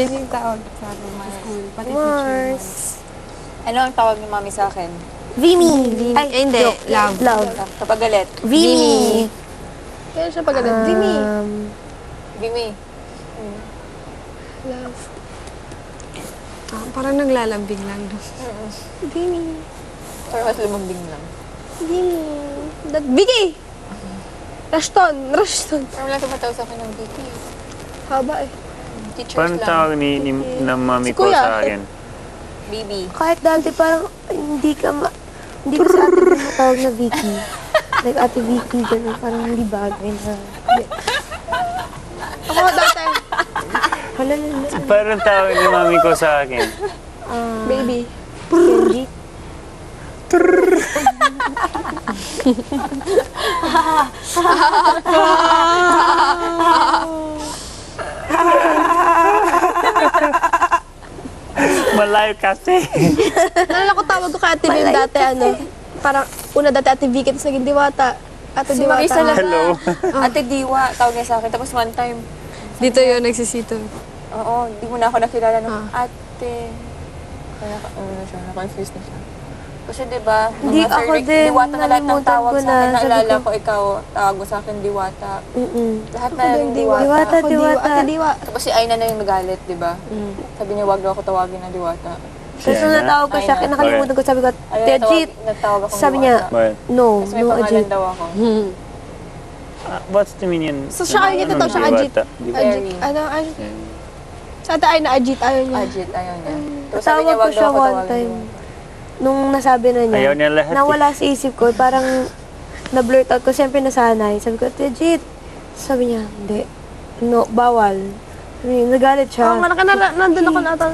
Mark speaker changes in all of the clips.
Speaker 1: Yan yung tawag sa akin sa school. Pati
Speaker 2: Mars.
Speaker 3: Ano ang tawag ni mami sa akin?
Speaker 2: Vimy.
Speaker 1: Ay, hindi.
Speaker 2: joke.
Speaker 1: Love.
Speaker 2: Love.
Speaker 3: Kapag galit.
Speaker 2: Vimy.
Speaker 1: Kaya siya pag ganun. Vimy.
Speaker 3: Bimi.
Speaker 1: Love. Parang naglalambing lang.
Speaker 2: Vimy.
Speaker 3: Or mas lumambing lang.
Speaker 2: Vimy.
Speaker 1: Vicky! Rushton. Rushton.
Speaker 3: Pero wala tumatawag sa akin ng Vicky.
Speaker 1: Haba eh.
Speaker 3: Teachers
Speaker 4: Paano
Speaker 3: lang.
Speaker 4: tawag ng mami
Speaker 1: Si
Speaker 4: ko
Speaker 1: Kuya.
Speaker 4: sa akin?
Speaker 3: Bibi.
Speaker 2: Kahit dati parang hindi ka sa ate mo matawag na Vicky. Like ate Vicky, gano'n. Parang hindi bagay na.
Speaker 1: Ako dati.
Speaker 2: Hala.
Speaker 4: Paano tawag ni mami ko sa akin?
Speaker 1: Baby.
Speaker 2: Kenji.
Speaker 4: Malayo kasi.
Speaker 1: Nalala ko tawag ko kay Ate Bim dati, parang una dati Ate Vicky, tapos naging Diwata. Ate
Speaker 3: Si
Speaker 1: Diwata.
Speaker 3: Marisa lang.
Speaker 4: Hello.
Speaker 3: Ate Diwa, tawag niya sa akin. Tapos one time,
Speaker 1: Dito yun, nagsisito.
Speaker 3: oo, di mo na ako nakilala ng
Speaker 1: Ah.
Speaker 3: ate. Kaya na-confused na siya. Kasi diba,
Speaker 2: Hindi,
Speaker 3: mga
Speaker 2: ako
Speaker 3: Rick,
Speaker 2: din,
Speaker 3: Diwata na lahat ng
Speaker 2: nalimutan
Speaker 3: tawag
Speaker 2: ko
Speaker 3: sa
Speaker 2: na.
Speaker 3: akin.
Speaker 2: Sabi
Speaker 3: Naalala
Speaker 2: ko-
Speaker 3: ko, ikaw, tawag mo sa akin, Diwata. Lahat na rin Diwata.
Speaker 2: Diwata.
Speaker 1: Ako, Ate Diwa.
Speaker 3: Tapos si Aina na yung nagalit, diba? Sabi niya, wag daw ako tawagin na Diwata.
Speaker 2: Tapos nung natawag ko siya,
Speaker 3: Ay, na.
Speaker 2: nakalimutan ko, sabi ko,
Speaker 3: Ayun,
Speaker 2: Tejit.
Speaker 3: natawag akong
Speaker 2: Sabi niya,
Speaker 3: Diwata.
Speaker 4: But,
Speaker 2: no,
Speaker 3: Kasi may
Speaker 2: no,
Speaker 3: pangalan
Speaker 2: Ajit.
Speaker 3: daw ako.
Speaker 4: what's the meaning?
Speaker 1: So, siya kayo nito, siya Ajit.
Speaker 4: Diwata.
Speaker 1: Ajit. Ajit. Sa ate ay na Ajit, ayaw niya.
Speaker 3: Ajit, ayaw niya. Tapos sabi niya,
Speaker 2: Tawag ko
Speaker 3: wag daw
Speaker 2: siya
Speaker 3: ako
Speaker 2: one
Speaker 3: tawagin
Speaker 2: time.
Speaker 3: Diwata.
Speaker 2: Nung nasabi na niya,
Speaker 4: Ayaw niya lahat eh.
Speaker 2: nawala sa isip ko, parang na-blurt out ko, siyempre nasanay. Sabi ko, Tejit. Sabi niya, hindi. No, bawal. Sabi niya, nagalit siya.
Speaker 1: Oo, nga, nandun ako nata.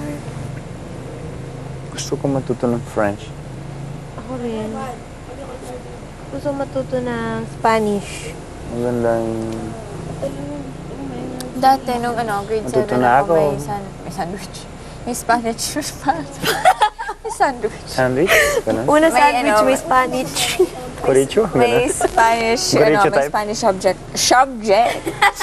Speaker 4: Gusto ko matuto ng French.
Speaker 2: Ako rin. Gusto matuto ng Spanish.
Speaker 4: Magandang...
Speaker 3: Dati, nung grade 7
Speaker 4: Matuto na
Speaker 3: ako,
Speaker 4: ako.
Speaker 3: may sandwich. May Spanish. May sandwich.
Speaker 4: Sandwich? Ganun?
Speaker 2: Una
Speaker 3: May
Speaker 2: sandwich,
Speaker 3: ano,
Speaker 2: may Spanish.
Speaker 4: Chorizo?
Speaker 3: May
Speaker 4: Ganun?
Speaker 3: Spanish,
Speaker 4: Goricho
Speaker 3: may
Speaker 4: type?
Speaker 3: Spanish subject. Subject!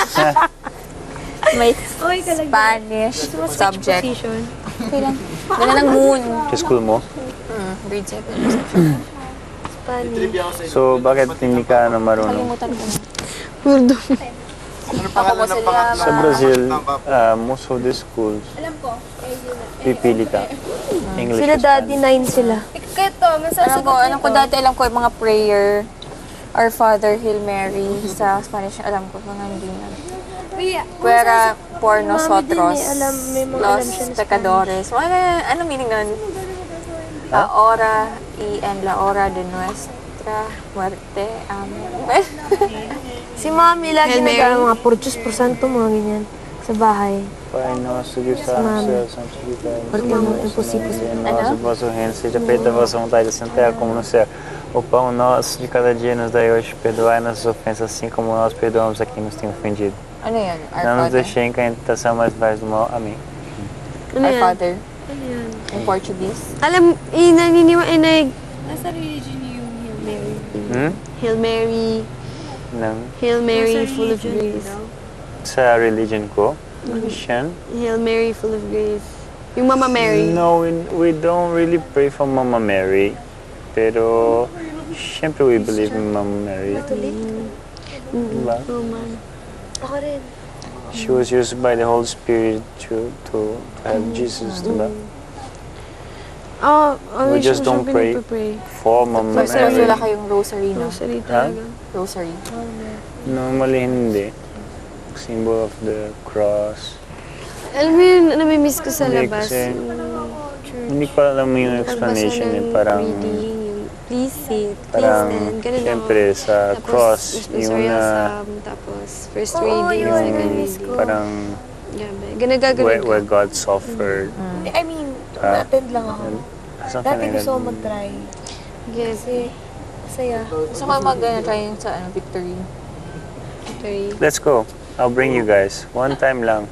Speaker 3: May
Speaker 2: Oy, kalagyan.
Speaker 3: Spanish subject.
Speaker 2: Position.
Speaker 3: Okay lang. Ganun ang moon.
Speaker 4: Sa school mo?
Speaker 3: Grade 7.
Speaker 2: Spanish.
Speaker 4: So, bakit hindi ka marunong?
Speaker 3: Kalimutan ko na.
Speaker 1: Murdo.
Speaker 3: Ako mo sila.
Speaker 4: Sa Brazil, most of the schools, pipili ka. English
Speaker 2: Sila
Speaker 4: or
Speaker 2: daddy,
Speaker 4: Spanish.
Speaker 2: 9 sila.
Speaker 3: Alam ko dati alam ko yung mga prayer. Our Father, Hail Mary. Sa Spanish, alam ko. Mga hindi na. Puera por nosotros.
Speaker 2: May mga alam
Speaker 3: Los
Speaker 2: siya na
Speaker 3: pecadores. Ano meaning nun? La hora y en la hora de nuestra muerte. Amen.
Speaker 2: Si Mami lagi
Speaker 1: Hail Mary.
Speaker 2: mga purchos, porsanto, mga ganyan. Sa bahay.
Speaker 4: Pai nosso que está no céu, santificado
Speaker 2: Porque é muito impossível.
Speaker 4: nosso vosso reino, seja feita a vossa vontade, assim na terra como no céu. O pão nosso de cada dia nos dai hoje, perdoai nossas ofensas, assim como nós perdoamos a quem nos tem ofendido.
Speaker 3: Ano yan? Our
Speaker 4: Não nos
Speaker 3: Father.
Speaker 4: deixem cair em tentação, mas livrai do mal. Amém.
Speaker 1: Ano
Speaker 3: Our
Speaker 1: yan?
Speaker 3: Father. In Portuguese.
Speaker 1: Alam,
Speaker 2: Nasa religion yung Hail Mary.
Speaker 1: Hail Mary,
Speaker 4: Não.
Speaker 1: Hail Mary, full of grace.
Speaker 4: Sa religion ko, Christian.
Speaker 1: Hail Mary, full of grace. Yung Mama Mary.
Speaker 4: No, we don't really pray for Mama Mary. Pero, sempre we believe in Mama Mary. Diba?
Speaker 1: Roman.
Speaker 2: Ako rin.
Speaker 4: She was used by the Holy Spirit to have Jesus, diba? We just don't pray for Mama
Speaker 3: So, wala
Speaker 4: Mary.
Speaker 3: kayong rosary, no?
Speaker 1: Rosary talaga.
Speaker 3: Rosary.
Speaker 4: Normally hindi. Symbol of the cross.
Speaker 1: Alam mo yun, namimiss ko sa
Speaker 4: Hindi,
Speaker 1: labas.
Speaker 4: kasi
Speaker 1: Yung
Speaker 4: Hindi ko alam yung explanation eh. Parang,
Speaker 1: reading, yung please sit, please
Speaker 4: parang,
Speaker 1: stand, ganun ako.
Speaker 4: syempre sa
Speaker 1: Tapos,
Speaker 4: cross, yung
Speaker 1: responsorial
Speaker 4: na,
Speaker 1: psalm, tapos first reading,
Speaker 2: yun,
Speaker 1: second
Speaker 2: namiss
Speaker 1: reading.
Speaker 2: ko.
Speaker 4: parang,
Speaker 1: Grabe. Ganagagano'n
Speaker 4: where God suffered.
Speaker 2: I mean,
Speaker 4: Ah.
Speaker 2: attend lang ako.
Speaker 4: Something
Speaker 2: Dati
Speaker 4: like
Speaker 2: gusto ko
Speaker 4: that.
Speaker 2: mag-try.
Speaker 1: Yes.
Speaker 2: Kasi, masaya.
Speaker 3: Gusto ko mag-try sa victory.
Speaker 1: Victory.
Speaker 4: Let's go. I'll bring you guys. One time lang.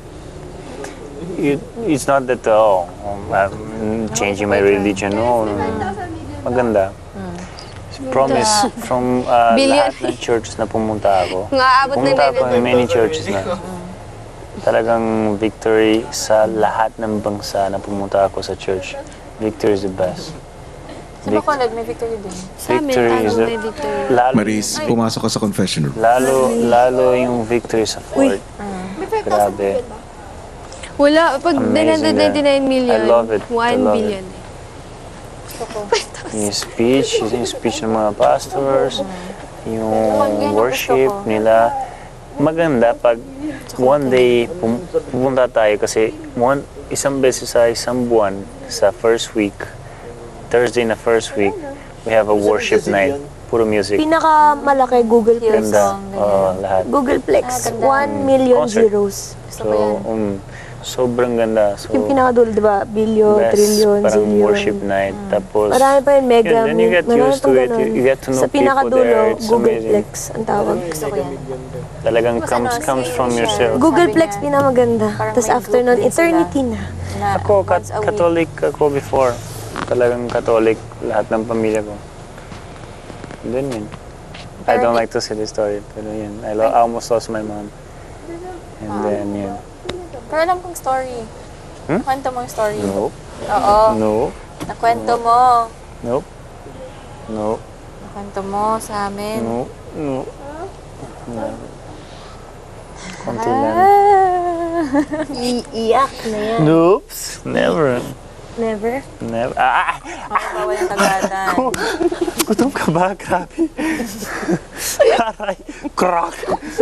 Speaker 4: It's not that, I'm changing my religion. No, no, no. Maganda. Promise from
Speaker 1: Billion.
Speaker 4: lahat ng churches na pumunta ako.
Speaker 1: Nga, abot na
Speaker 4: Pumunta ako in
Speaker 1: nila.
Speaker 4: many churches na. talagang victory sa lahat ng bansa na pumunta ako sa church. Victory is the best.
Speaker 3: Sa Bacolod, may victory din.
Speaker 1: Sa amin, may victory.
Speaker 4: Lalo,
Speaker 5: Maris, pumasok ka sa confession room.
Speaker 4: lalo yung victory sa Fort. Grabe.
Speaker 1: Wala, pag
Speaker 4: Amazing
Speaker 1: 999 million,
Speaker 4: I love it.
Speaker 1: 1
Speaker 4: I love
Speaker 1: billion.
Speaker 3: Gusto ko.
Speaker 4: Yung speech ng mga pastors, yung worship
Speaker 3: gusto ko.
Speaker 4: nila. Maganda pag one day pupunta tayo kasi isang beses sa isang buwan sa first week, Thursday na first week, we have a worship night. Puro music.
Speaker 2: Pinakamalaki, Googleplex.
Speaker 4: Ganda. Lahat.
Speaker 2: Googleplex, 1 million
Speaker 4: Concert.
Speaker 2: zeros.
Speaker 3: Gusto ko yan.
Speaker 4: Sobrang ganda. So,
Speaker 2: Yung pinakadulo, di ba? Billion,
Speaker 4: best,
Speaker 2: trillion,
Speaker 4: parang
Speaker 2: zillion.
Speaker 4: worship night. Tapos,
Speaker 2: Marami pa yun, mega.
Speaker 4: yun, then you get
Speaker 2: marami
Speaker 4: used to
Speaker 2: pang
Speaker 4: it.
Speaker 2: ganun.
Speaker 4: You get to know
Speaker 2: Sa
Speaker 4: people
Speaker 2: pinakadulo,
Speaker 4: there. It's
Speaker 2: Googleplex ang tawag.
Speaker 3: Gusto ko yan.
Speaker 4: talagang
Speaker 3: Tapos
Speaker 4: comes
Speaker 3: si
Speaker 4: from
Speaker 3: Michelle,
Speaker 4: yourself.
Speaker 2: Googleplex
Speaker 3: sabi niya,
Speaker 2: pinamaganda.
Speaker 3: parang
Speaker 2: Tapos
Speaker 3: may
Speaker 2: after
Speaker 3: group
Speaker 2: nun,
Speaker 3: din sila.
Speaker 2: eternity na.
Speaker 3: Na
Speaker 4: Ako,
Speaker 3: once a week.
Speaker 4: Catholic ako before. Talagang Catholic, lahat ng pamilya ko. Then yun. I don't like to say this story, pero yun. I almost lost my mom. And then yun.
Speaker 3: Pero alam kong story. Kwento mo yung story.
Speaker 4: Nope.
Speaker 3: Oo.
Speaker 4: No.
Speaker 3: Nakwento mo.
Speaker 4: Nope. No.
Speaker 3: Nakwento mo sa amin.
Speaker 4: No. No. No. Konti lang.
Speaker 2: Iiyak na yan.
Speaker 4: Noops. Never.
Speaker 2: Never?
Speaker 4: Never.
Speaker 3: Ako bawal yung tagadan.
Speaker 4: Gutom ka ba? Grabe. Aray. Crack.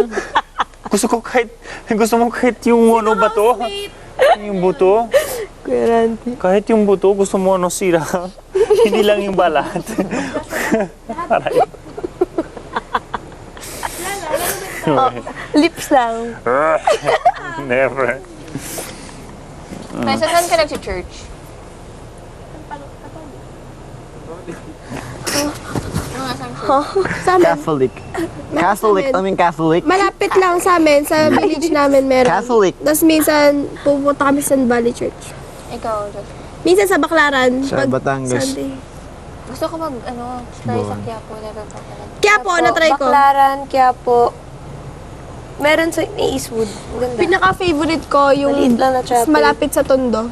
Speaker 4: Gusto mo kahit yung ano ba to? Yung buto?
Speaker 2: Kuya Randy.
Speaker 4: Kahit yung buto, gusto mo ano sira. Hindi lang yung balat. Aray.
Speaker 2: Lips lang.
Speaker 4: Never.
Speaker 3: May saan ka nag-church?
Speaker 1: Sa amin,
Speaker 6: Catholic. Catholic, I mean Catholic.
Speaker 1: malapit lang sa amin, sa village namin meron.
Speaker 6: Catholic.
Speaker 1: Tapos minsan, pupunta kami sa San Valley Church.
Speaker 3: Ikaw, Josh.
Speaker 1: Minsan sa Baclaran.
Speaker 6: Sa Batangas.
Speaker 1: Sunday.
Speaker 3: Gusto ko try sa Quiapo. Never pa talaga.
Speaker 1: Kaya po, na-try ko.
Speaker 2: Baclaran, Quiapo. Meron sa may Eastwood. Ang ganda.
Speaker 1: Pinaka-favorite ko yung
Speaker 2: Maliit lang na chapel.
Speaker 1: malapit sa Tondo.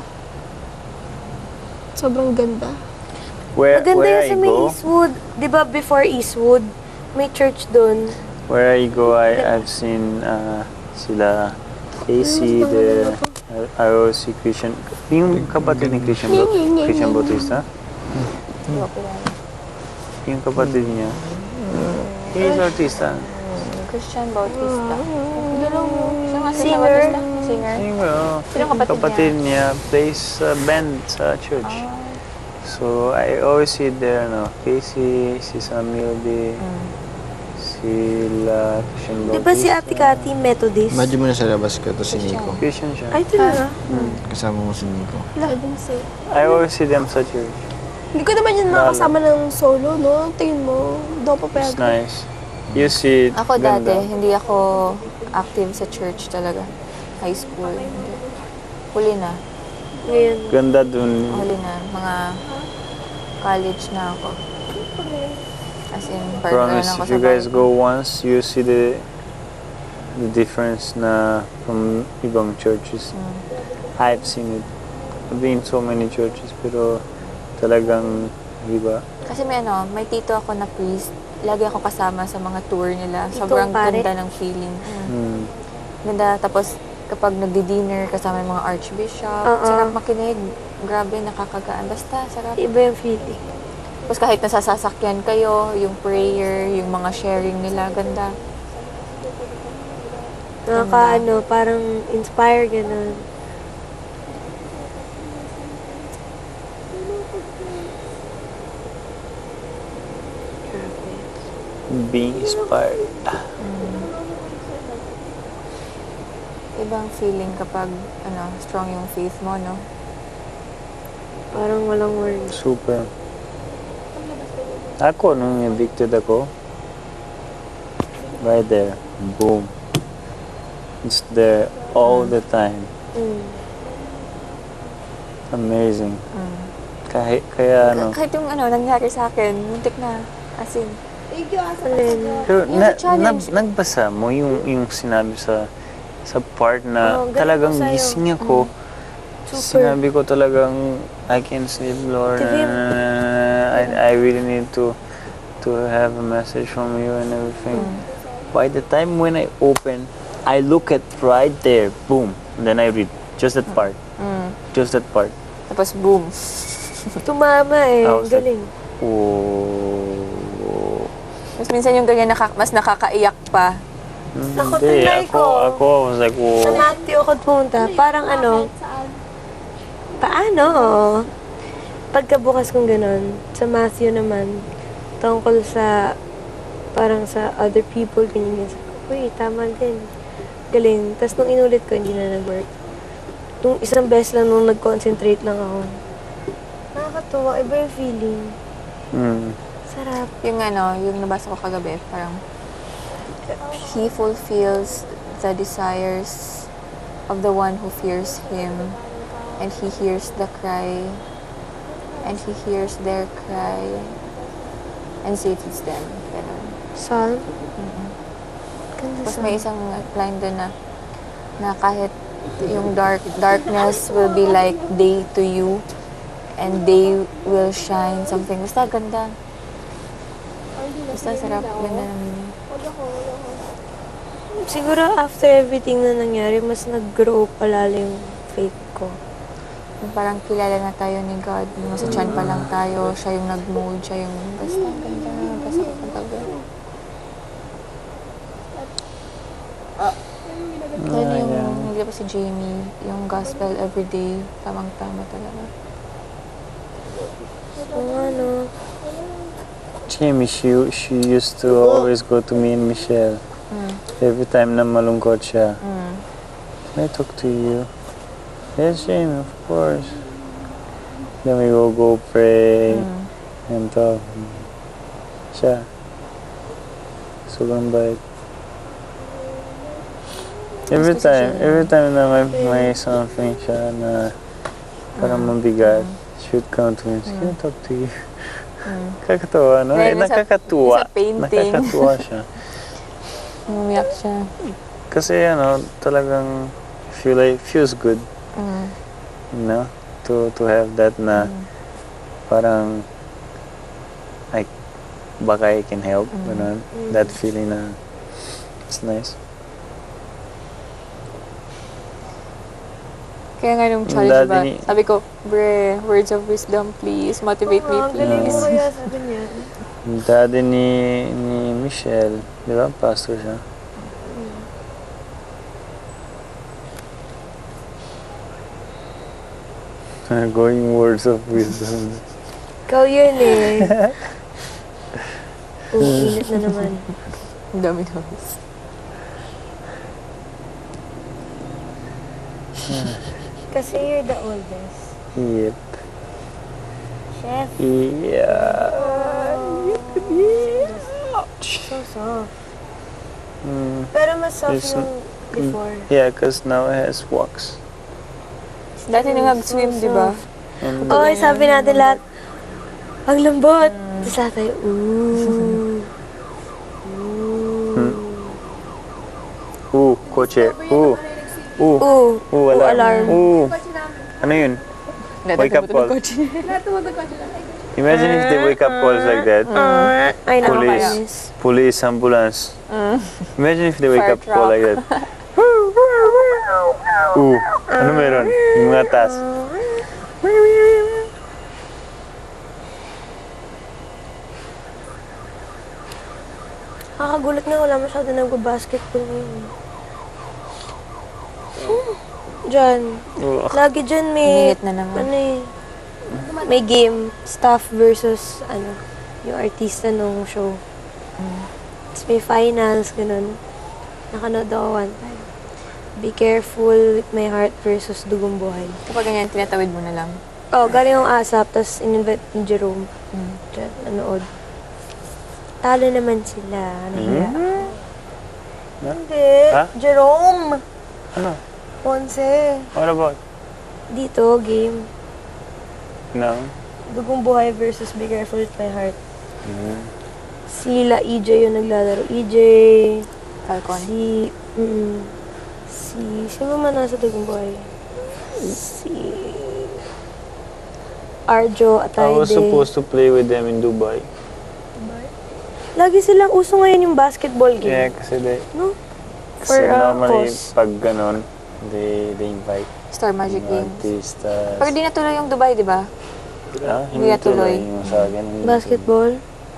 Speaker 1: Sobrang ganda.
Speaker 2: Maganda
Speaker 4: Where
Speaker 2: yun
Speaker 4: I
Speaker 2: sa may
Speaker 4: go,
Speaker 2: Eastwood. Di ba before Eastwood, may church doon.
Speaker 4: where I go, I've seen sila AC, the ROC Christian, yung kapatid ni Christian Bautista, yung kapatid niya, he's artista.
Speaker 3: Christian Bautista. Siya nga
Speaker 2: Singer.
Speaker 3: Singer.
Speaker 4: Sino kapatid niya plays band sa church. So I always see there, Casey, si Samuel D, sila Christian
Speaker 2: Di
Speaker 4: Bautista.
Speaker 2: ba si Ate Cathy Methodist?
Speaker 6: Medyo mo na sa labas ka to si Nico.
Speaker 4: Christian siya.
Speaker 2: Ay, talaga?
Speaker 6: Kasama mo si Nico.
Speaker 4: I always see them sa church.
Speaker 1: Hindi ko naman yun makasama ng solo, no? Tingin mo, daw pa
Speaker 4: It's
Speaker 1: pwede.
Speaker 4: nice. You see,
Speaker 3: Ako
Speaker 4: ganda.
Speaker 3: dati, hindi ako active sa church talaga. High school. Hindi. Huli na.
Speaker 2: Ngayon.
Speaker 4: Ganda dun.
Speaker 3: Huli na. Mga college na ako. As in, partner
Speaker 4: Promise,
Speaker 3: lang ako
Speaker 4: if
Speaker 3: sa
Speaker 4: you guys
Speaker 3: Bible.
Speaker 4: go once, you see the difference na from ibang churches. I've seen it. I've been in so many churches, pero talagang, di ba?
Speaker 3: Kasi may tito ako na priest. Lagi ako kasama sa mga tour nila.
Speaker 2: Titong
Speaker 3: Sobrang
Speaker 2: pare?
Speaker 3: ganda ng feeling.
Speaker 4: Hmm.
Speaker 3: Ganda. Tapos, kapag nagdi-dinner kasama yung mga archbishop, sarap makinig. Grabe, nakakagaan. Basta, sarap.
Speaker 2: Iba yung feeling.
Speaker 3: Tapos kahit nasasasakyan kayo, yung prayer, yung mga sharing nila, ganda.
Speaker 2: Parang inspire, gano'n.
Speaker 4: Being inspired.
Speaker 3: Ibang feeling kapag, strong yung faith mo, no?
Speaker 2: Parang walang words.
Speaker 4: Super. Ako, nung evicted ako, right there, boom. It's there all the time. Amazing. Kaya
Speaker 3: Kahit yung nangyari sa akin, muntik na. As in,
Speaker 4: pero
Speaker 3: Yung challenge.
Speaker 4: nagbasa mo yung sinabi sa part na
Speaker 2: Oo, galing
Speaker 4: talagang
Speaker 2: ko sa'yo.
Speaker 4: gising ako.
Speaker 2: Super.
Speaker 4: Sinabi ko talagang, I can't sleep, Lord.
Speaker 2: Tivim.
Speaker 4: I really need to have a message from you and everything. By the time when I open, I look at right there, boom. And then I read just that part. Just that part.
Speaker 3: Tapos boom.
Speaker 2: Tumama eh.
Speaker 4: I was like,
Speaker 2: Galing.
Speaker 4: oh.
Speaker 3: Mas minsan yung ganyan mas nakakaiyak pa.
Speaker 2: Ako,
Speaker 4: Hindi,
Speaker 2: tinry ko.
Speaker 4: ako was like,
Speaker 2: Sa
Speaker 4: whoa.
Speaker 2: Matthew ako pumunta. Parang ano, paano? Pagkabukas kong ganun, sa Matthew naman, tungkol sa, parang sa other people, ganyan. Uy, tama din. Galing. Tapos nung inulit ko, hindi na nag-work. Nung isang beses lang nung nag-concentrate lang ako. Nakakatuwa. Iba yung feeling.
Speaker 4: Mm.
Speaker 2: Sarap.
Speaker 3: Yung yung nabasa ko kagabi, parang he fulfills the desires of the one who fears him, and he hears the cry, and he hears their cry, and saves them. Ganun.
Speaker 2: Psalm? Ganda
Speaker 3: Tapos
Speaker 2: sa
Speaker 3: may isang line doon na kahit yung darkness will be like day to you, and day will shine, something. Basta ganda. Basta sarap. Ganda namin.
Speaker 2: Siguro after everything na nangyari, mas nag-grow palala yung faith ko.
Speaker 3: Yung parang kilala na tayo ni God. Yung sa tiyan pa lang tayo, siya yung nag-mold, siya yung basta ganda. Basta kapag Yan yung, hindi pa si Jamie, yung gospel everyday, tamang-tama talaga.
Speaker 2: Oo, ano.
Speaker 4: Jamie, she used to always go to me and Michelle. Every time na malungkot siya. Can I talk to you? Yes, Jamie, of course. Then we go pray and talk. Siya. Sobrang bait. Every time na may something siya na parang mabigat, she would come to me and say, can I talk to you? Kakatawa, no?
Speaker 3: Then, sa
Speaker 4: Nakakatuwa.
Speaker 3: painting.
Speaker 4: Nakakatuwa siya.
Speaker 3: Umiyak siya.
Speaker 4: Kasi talagang feels good, you know, to have that na parang baka I can help, ganun. That feeling na it's nice.
Speaker 3: Kaya nga nung challenge ba, sabi ko, bre, words of wisdom please, motivate me
Speaker 2: Ang galing
Speaker 3: please.
Speaker 2: mo kaya sabi niya.
Speaker 4: Yung daddy ni Michelle, di ba? Pastor siya. Going words of wisdom.
Speaker 2: Ikaw yun eh. Init na naman.
Speaker 3: Ang dami naman.
Speaker 2: Kasi you're the oldest.
Speaker 4: Yep.
Speaker 2: Chef.
Speaker 4: Yeah.
Speaker 2: So soft.
Speaker 4: Mm.
Speaker 2: Pero mas soft
Speaker 4: It's-
Speaker 2: yung before.
Speaker 4: Yeah, because now it has wax.
Speaker 3: Dati nang nag-swim, di ba?
Speaker 4: And
Speaker 2: Oy, sabi natin lahat, ang lambot. Tapos lahat tayo, ooh.
Speaker 4: kotse.
Speaker 2: Ooh.
Speaker 4: Alarm.
Speaker 2: alarm.
Speaker 4: Ano yun? Wake up call. Imagine if they wake up calls like that.
Speaker 2: Ay,
Speaker 4: Police. Police, ambulance. Imagine if they wake
Speaker 3: Fire
Speaker 4: up call like that. Ano meron? Yung mga taas.
Speaker 2: Nakakagulat nga, wala masyado nagbabasketball ngayon. Diyan. Lagi dyan may,
Speaker 3: Init na naman.
Speaker 2: ano eh, may game, staff versus, yung artista nung show. Tapos may finals, ganun. Nakanood ako one time. Be Careful with My Heart versus Dugong Buhay.
Speaker 3: Kapag ganyan, tinatawid mo na lang.
Speaker 2: Oh, galing yung ASAP, tapos in-invite ni Jerome. Diyan, nanood. Talo naman sila. Nahiya. Hindi.
Speaker 4: Ha?
Speaker 2: Jerome!
Speaker 4: Ano?
Speaker 2: Ponce.
Speaker 4: What about?
Speaker 2: Dito, game.
Speaker 4: No?
Speaker 2: Dugong Buhay versus Be Careful with My Heart. Sila, EJ yung naglalaro. EJ,
Speaker 3: Falcon.
Speaker 2: si Sino man nasa Dugong Boy? Si Arjo
Speaker 4: I
Speaker 2: Atayde.
Speaker 4: was supposed to play with them in Dubai.
Speaker 2: Lagi silang uso ngayon yung basketball
Speaker 4: Yeah,
Speaker 2: game.
Speaker 4: kasi they,
Speaker 2: No?
Speaker 4: kasi
Speaker 2: For a
Speaker 4: normally
Speaker 2: cause.
Speaker 4: pag ganon, they invite
Speaker 3: Star Magic
Speaker 4: mga
Speaker 3: Games.
Speaker 4: artistas.
Speaker 3: Pero di natuloy yung Dubai, di ba?
Speaker 4: Hindi
Speaker 3: natuloy.
Speaker 4: tuloy yung sa akin. hindi
Speaker 2: Basketball?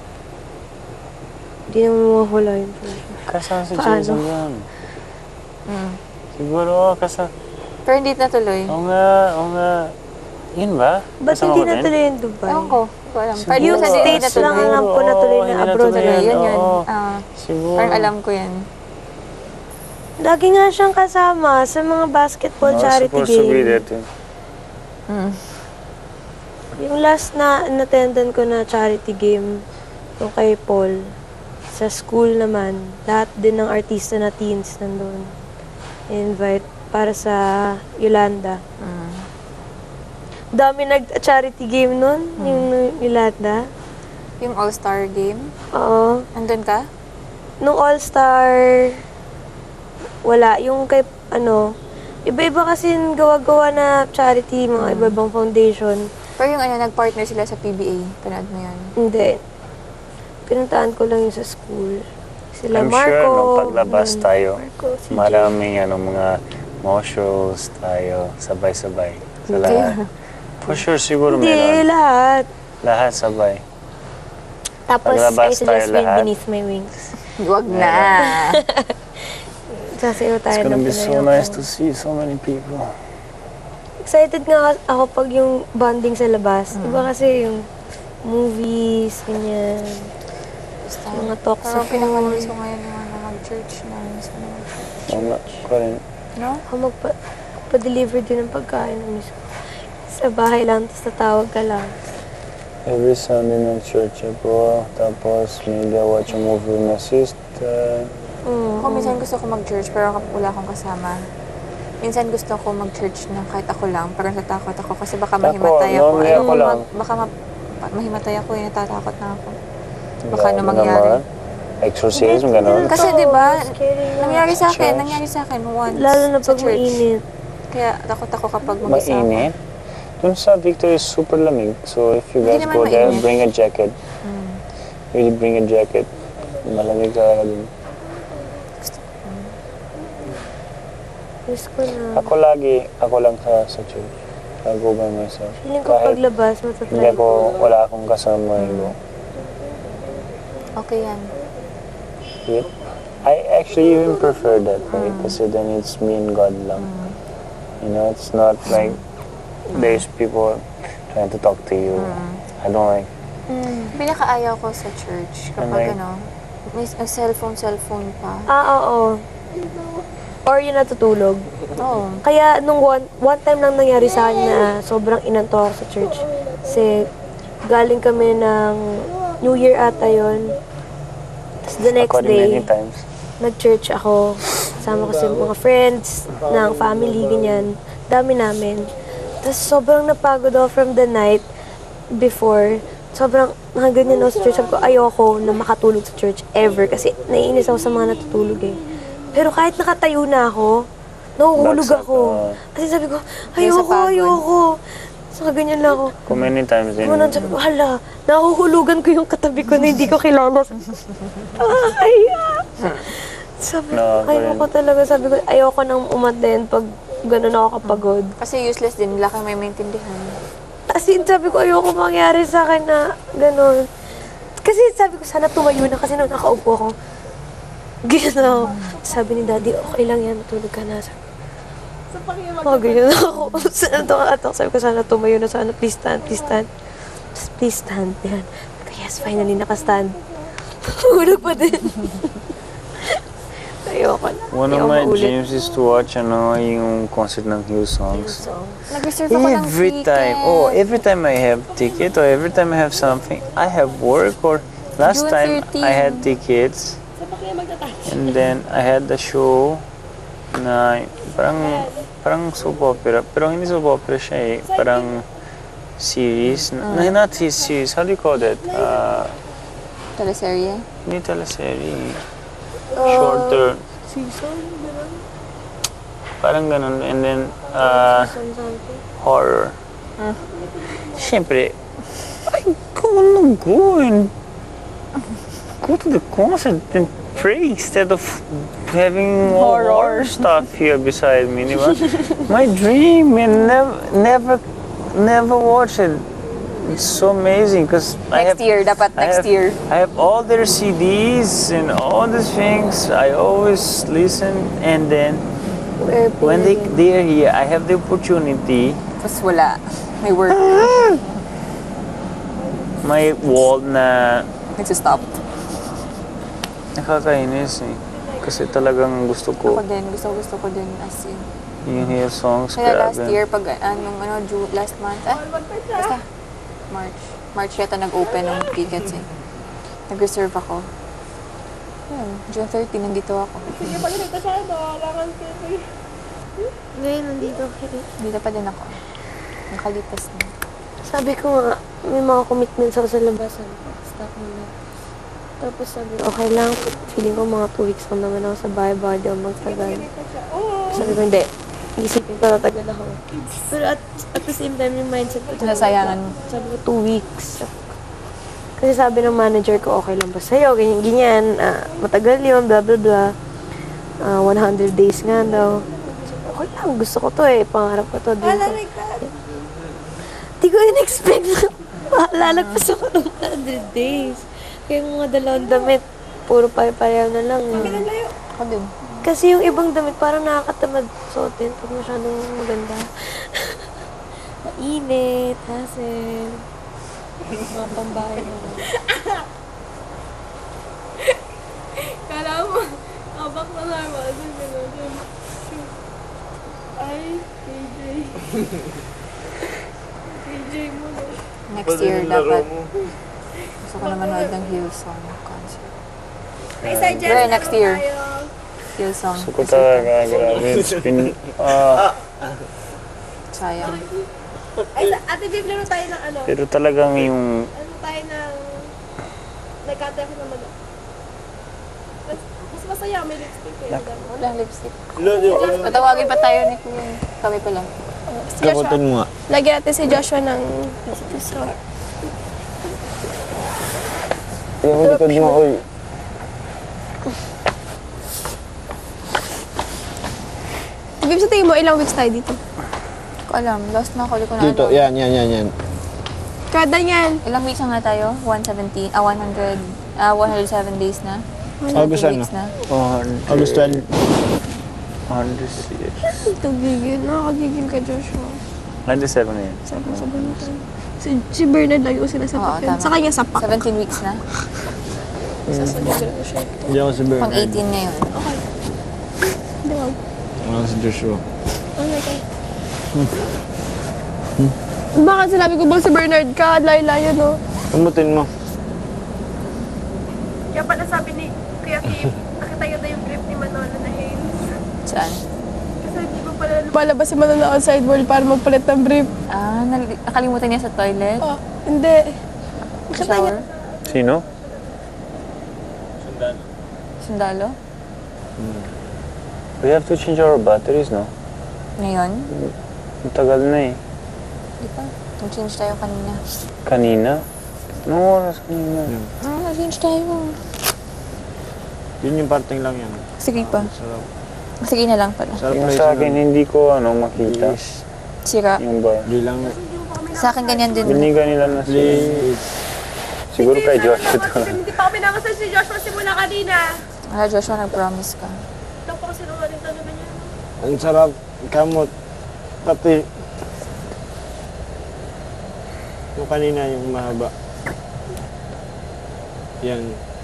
Speaker 2: Hindi naman mawawala yun.
Speaker 4: tuloy. Kasama si
Speaker 2: Paano?
Speaker 4: Jason yan.
Speaker 3: Mm.
Speaker 4: Siguro,
Speaker 3: Pero hindi natuloy.
Speaker 4: oo nga. Yun ba?
Speaker 2: Ba't
Speaker 4: Kasama
Speaker 2: hindi
Speaker 4: ko din?
Speaker 2: natuloy yung Dubai?
Speaker 3: Ewan ko. Hindi ko alam.
Speaker 4: Siguro,
Speaker 3: Pero
Speaker 2: Yung
Speaker 3: sa
Speaker 2: States
Speaker 3: natuloy.
Speaker 2: lang ang alam ko natuloy na
Speaker 4: hindi
Speaker 2: abroad
Speaker 4: natuloy
Speaker 3: Natuloy, yun yun.
Speaker 4: oo. Siguro.
Speaker 3: Parang alam ko yan.
Speaker 2: Lagi nga siyang kasama sa mga basketball
Speaker 4: No,
Speaker 2: charity
Speaker 4: supposed to be
Speaker 2: game.
Speaker 4: there too.
Speaker 3: Mm.
Speaker 2: Yung last na attendan ko na charity game, yung kay Paul, sa school naman, lahat din ng artista na teens nandun. Invite para sa Yolanda.
Speaker 3: Mm.
Speaker 2: Dami nag-charity game nun, yung Yolanda.
Speaker 3: Yung All-Star game.
Speaker 2: Oo.
Speaker 3: Andun ka?
Speaker 2: Nung All-Star, wala. Yung kay, iba-iba kasi yung gawa-gawa na charity, mga iba-ibang foundation.
Speaker 3: Pero yung nag-partner sila sa PBA. Panood mo yun.
Speaker 2: Hindi. Pinuntaan ko lang yung sa school. Sila
Speaker 4: I'm
Speaker 2: Marco.
Speaker 4: sure nung paglabas
Speaker 2: ganun.
Speaker 4: tayo,
Speaker 2: Marco, si
Speaker 4: maraming mga more shows tayo, sabay-sabay. Sa lahat. For sure, siguro
Speaker 2: Hindi,
Speaker 4: meron.
Speaker 2: lahat.
Speaker 4: Lahat sabay.
Speaker 2: Tapos,
Speaker 4: Paglabas
Speaker 2: I suggest
Speaker 4: tayo
Speaker 2: Wind
Speaker 4: lahat.
Speaker 2: Beneath My Wings.
Speaker 3: Huwag na.
Speaker 2: Sasayaw
Speaker 4: It's
Speaker 2: tayo
Speaker 4: gonna
Speaker 2: ng
Speaker 4: be so
Speaker 2: panayaw
Speaker 4: nice
Speaker 2: ko.
Speaker 4: to see so many people.
Speaker 2: Excited nga ako pag yung bonding sa labas. Iba kasi yung movies, ganyan.
Speaker 3: Basta.
Speaker 2: Mga talks
Speaker 3: Pero
Speaker 2: sa
Speaker 3: pinakamalis ko
Speaker 2: phone.
Speaker 3: ngayon yung mag-church na. Miss ko na mag-church.
Speaker 4: Oo nga, ko rin.
Speaker 3: No?
Speaker 2: Ako magpa-deliver din ng pagkain ng miss ko. Sa bahay lang, tapos tatawag ka lang.
Speaker 4: Every Sunday nag-church ako, tapos maybe I watch a movie with my sister.
Speaker 2: Mm.
Speaker 3: Ako minsan gusto ko mag-church pero wala akong kasama. Minsan gusto ko mag-church na kahit ako lang, pero natatakot ako kasi baka mahimatay ako.
Speaker 4: normally ako lang.
Speaker 3: Baka mahimatay ako, natatakot na ako. Baka
Speaker 4: Grabe
Speaker 3: ano mangyari.
Speaker 4: naman. Exorcism, gano'n.
Speaker 3: Kasi di ba,
Speaker 2: Scary nga.
Speaker 3: nangyari sa akin once
Speaker 2: Lalo na
Speaker 3: sa
Speaker 2: pag
Speaker 3: church.
Speaker 2: mainit.
Speaker 3: Kaya takot ako kapag mag-isa ako.
Speaker 4: Mainit. Dun sa Victory is super lamig. So if you
Speaker 3: Hindi
Speaker 4: guys
Speaker 3: naman
Speaker 4: go there,
Speaker 3: mainit.
Speaker 4: bring a jacket. Really bring a jacket. Malamig talaga dun.
Speaker 2: Miss ko na.
Speaker 4: Ako lang sa church. I go by myself.
Speaker 2: Feeling ko
Speaker 4: Kahit
Speaker 2: paglabas,
Speaker 4: hindi
Speaker 2: matatry ko.
Speaker 4: wala akong kasama. I go.
Speaker 3: Okay yan.
Speaker 4: Yep. I actually even prefer that way kasi then it's me and God lang. You know, it's not like there's people trying to talk to you. I don't like.
Speaker 3: Pinakaayaw ko sa church kapag
Speaker 4: Like-
Speaker 3: may cellphone pa.
Speaker 2: Oo. Or yung natutulog.
Speaker 3: Oo.
Speaker 2: Kaya nung one time lang nangyari sa akin na sobrang inanto ako sa church. Kasi galing kami ng New Year ata yun. Tapos the next
Speaker 4: Ako rin many
Speaker 2: day,
Speaker 4: times.
Speaker 2: nag-church ako. Kasama ko sa mga friends, ng family, ganyan. Dami namin. Tapos sobrang napagod ako from the night before. Sobrang nakaganyan ako sa church. Sabi ko, ayoko na makatulog sa church ever. Kasi naiinis ako sa mga natutulog eh. Pero kahit nakatayo na ako, nahuhulog
Speaker 4: Bagsak,
Speaker 2: ako. Kasi sabi ko,
Speaker 3: Dahil sa pagod.
Speaker 2: ayoko. So, ganyan lang ako.
Speaker 4: Kung many times din.
Speaker 2: Kumanan sabi ko, hala, nahuhulugan ko yung katabi ko na hindi ko kilala. Sabi ko,
Speaker 4: No,
Speaker 2: ayoko talaga. Sabi ko, ayoko nang umaten pag gano'n ako kapagod.
Speaker 3: Kasi useless din, wala kang may maintindihan.
Speaker 2: As in, sabi ko, ayoko mangyari sa akin na gano'n. Kasi sabi ko, sana tumayo na kasi nung nakaupo ako. Ganyan ako. Sabi ni Daddy, okay lang yan, matulog ka na. Sabi ko, ganyan ako. Sana tumatak. Sabi ko, sana tumayo na, sana please stand, please stand. Just please stand. Yan. Yes, finally, nakastand. Hulog pa din. Ayoko na.
Speaker 4: One of
Speaker 2: Ayoko
Speaker 4: my
Speaker 2: maulit.
Speaker 4: dreams is to watch yung concert ng Hillsongs.
Speaker 3: Nag-reserve ako ng
Speaker 4: Every time I have ticket or every time I have something, I have work or last
Speaker 3: June
Speaker 4: time
Speaker 3: 13.
Speaker 4: I had tickets and then I had the show na parang soap opera pero hindi soap opera siya eh, parang series, not his series, how do you call that?
Speaker 3: Teleserye.
Speaker 4: Hindi teleserye, shorter. Parang ganun. And then,
Speaker 2: Something.
Speaker 4: horror. Siyempre, I wanna go and go to the concert and pray instead of having horror stuff here beside me, di ba? My dream and never watch it. It's so amazing because
Speaker 3: Next year, dapat next year.
Speaker 4: I have all their CDs and all these things. I always listen, and then when they are here, I have the opportunity.
Speaker 3: Tapos wala. May work.
Speaker 4: May wall na
Speaker 3: Nagsistop.
Speaker 4: nakakainis eh. Kasi talagang gusto ko
Speaker 3: Ako din. Gusto ko din as in.
Speaker 4: yung Hillsongs.
Speaker 3: Kaya last
Speaker 4: Grabe.
Speaker 3: year, pag last month, basta, March yata nag-open ng tickets eh. Nag-reserve ako. Yun, June 30, nandito ako.
Speaker 2: Ngayon, nandito.
Speaker 3: Dito pa din ako. Nakalipas na.
Speaker 2: Sabi ko nga, may mga commitments ako sa labasan. Stop muna. Tapos sabi ko, okay lang. Feeling ko mga 2 weeks lang naman ako sa bahay. Baka di ako magtagal. Sabi ko, hindi. Isipin ko, tatagal ako. Pero at the same time, yung mindset ko.
Speaker 3: Nasayangan mo.
Speaker 2: Sabi ko, 2 weeks. Kasi sabi ng manager ko, okay lang ba sa'yo? Ganyan, ganyan. Matagal yun, blah, blah, blah. 100 days nga daw. Okay lang, gusto ko to eh. Pangarap ko to. Di ko in-expect na lalagpas ako ng 100 days. Kaya yung mga dalawang damit, puro pare-pareho na lang.
Speaker 3: Ako din.
Speaker 2: Kasi yung ibang damit parang nakakatamad suotin pag masyadong maganda. Mainit, hassle. Mga pambahay na.
Speaker 1: Kala mo, abak na normal. Ay, KJ. KJ mo na.
Speaker 3: Next year, dapat. Gusto ko na manood ng Hillsong concert. Pero next year, Hillsong.
Speaker 4: Gusto ko talaga, grabe. It's been,
Speaker 3: Sayang.
Speaker 1: Ay, ate Viv, laro tayo ng ano?
Speaker 4: pero talagang yung
Speaker 1: Ano tayo ng... Nagkatay ako naman. Mas masaya, may lipstick eh.
Speaker 3: Walang lipstick. Patawagin pa tayo ni Kuya. Kami pa lang.
Speaker 1: Si Joshua.
Speaker 6: Gabutin mo nga.
Speaker 1: Lagyan natin si Joshua ng...
Speaker 6: Yung likod mo, oy.
Speaker 1: Viv, sa tingin mo, ilang weeks tayo dito?
Speaker 3: Hindi ko alam. Lost na ako. Hindi ko na
Speaker 6: Dito,
Speaker 3: alam.
Speaker 6: yan.
Speaker 1: Kada yan.
Speaker 3: Ilang weeks na nga tayo? 117? 107 days na?
Speaker 6: August
Speaker 3: 2
Speaker 6: ano?
Speaker 3: weeks na?
Speaker 6: August 12.
Speaker 4: 106.
Speaker 1: Ito, gigil. Nakakagigil ka, Joshua.
Speaker 4: 97 na yan.
Speaker 1: Sabi mo tayo. Si Bernard lagi ko sila sa
Speaker 3: Oo,
Speaker 1: pakyan.
Speaker 3: tama.
Speaker 1: Sa kanya sa pak.
Speaker 3: 17 weeks na?
Speaker 1: Sasabihin ko lang siya.
Speaker 6: Hindi ako si
Speaker 3: Pang
Speaker 6: Bernard.
Speaker 3: 18 ngayon.
Speaker 1: Okay. Hindi ba?
Speaker 6: Ako si Joshua.
Speaker 1: Okay, okay. Bakit sinabi ko bang si Bernard ka? Layo-layo, no?
Speaker 6: Gabutin mo.
Speaker 1: Kaya pala sabi ni Kuya Kim, nakita yun na yung clip ni Manolo na Haynes.
Speaker 3: Saan?
Speaker 1: Kasi hindi ko pala palabas si Manolo outside world para magpalit ng brief.
Speaker 3: Nakalimutan niya sa toilet?
Speaker 1: Oh, hindi.
Speaker 3: Sa shower?
Speaker 4: Sino?
Speaker 3: Sundalo?
Speaker 4: We have to change our batteries, no?
Speaker 3: Ngayon?
Speaker 4: Ang tagal na eh.
Speaker 3: Di ba? Nag-change tayo kanina.
Speaker 4: Kanina? Anong oras kanina?
Speaker 3: Nag-change tayo.
Speaker 6: Yun yung parting lang yan.
Speaker 3: Sige pa.
Speaker 6: Sarap.
Speaker 3: Sige na lang pala.
Speaker 6: Sarap
Speaker 4: Yung
Speaker 6: place
Speaker 4: sa akin,
Speaker 6: nun.
Speaker 4: hindi ko makita.
Speaker 6: Please.
Speaker 3: Sira.
Speaker 4: Yung bar.
Speaker 6: Hindi lang.
Speaker 3: Sa akin ganyan din.
Speaker 4: Biniga nila na
Speaker 6: Please.
Speaker 4: siguro kay Joshua to.
Speaker 1: Hindi pa kami namasal si Joshua simula kanina.
Speaker 3: Joshua, nag-promise ka.
Speaker 1: Ito po kasi nungaling talaga niya.
Speaker 6: Ang sarap. Kamot. Pati. Yung kanina yung mahaba. Yan.